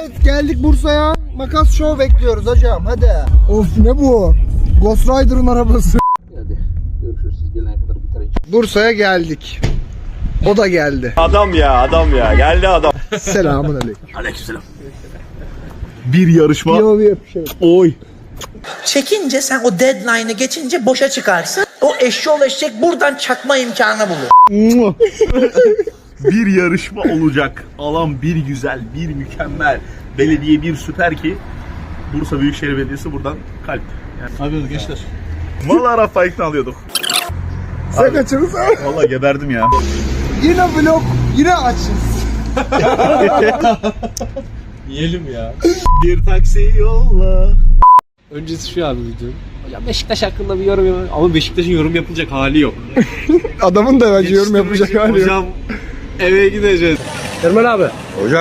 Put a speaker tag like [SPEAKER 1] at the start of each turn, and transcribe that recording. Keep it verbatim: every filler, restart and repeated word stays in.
[SPEAKER 1] Evet, geldik Bursa'ya. Makas Show bekliyoruz hocam, hadi. Of, ne bu? Ghost Rider'ın arabası.
[SPEAKER 2] Hadi görüşürüz, siz gelene kadar bitirin.
[SPEAKER 1] Bursa'ya geldik. O da geldi.
[SPEAKER 3] Adam ya, adam ya. Geldi adam.
[SPEAKER 1] Selamun aleyküm.
[SPEAKER 3] Aleykümselam. Bir yarışma.
[SPEAKER 1] Yo, bir şey.
[SPEAKER 3] Oy.
[SPEAKER 4] Çekince sen o deadline'ı geçince boşa çıkarsın. O eşşoğlu eşek buradan çakma imkanı bulur.
[SPEAKER 3] Bir yarışma olacak. Alan bir güzel, bir mükemmel. Belediye bir süper ki. Bursa Büyükşehir Belediyesi buradan kalp. Yani, ne yapıyoruz gençler? Vallahi Rafa ikna alıyorduk.
[SPEAKER 1] Sen kaçırırız ha.
[SPEAKER 3] Vallahi geberdim ya.
[SPEAKER 1] Yine vlog, yine açız.
[SPEAKER 5] Yiyelim ya.
[SPEAKER 3] Bir taksi yolla.
[SPEAKER 5] Öncesi şu abi videonun. Hocam Beşiktaş hakkında bir yorum yapalım. Ama Beşiktaş'ın yorum yapılacak hali yok.
[SPEAKER 1] Adamın da bence yorum yapacak hali yok.
[SPEAKER 5] Hocam eve gideceğiz. Ermen abi.
[SPEAKER 3] Hocam.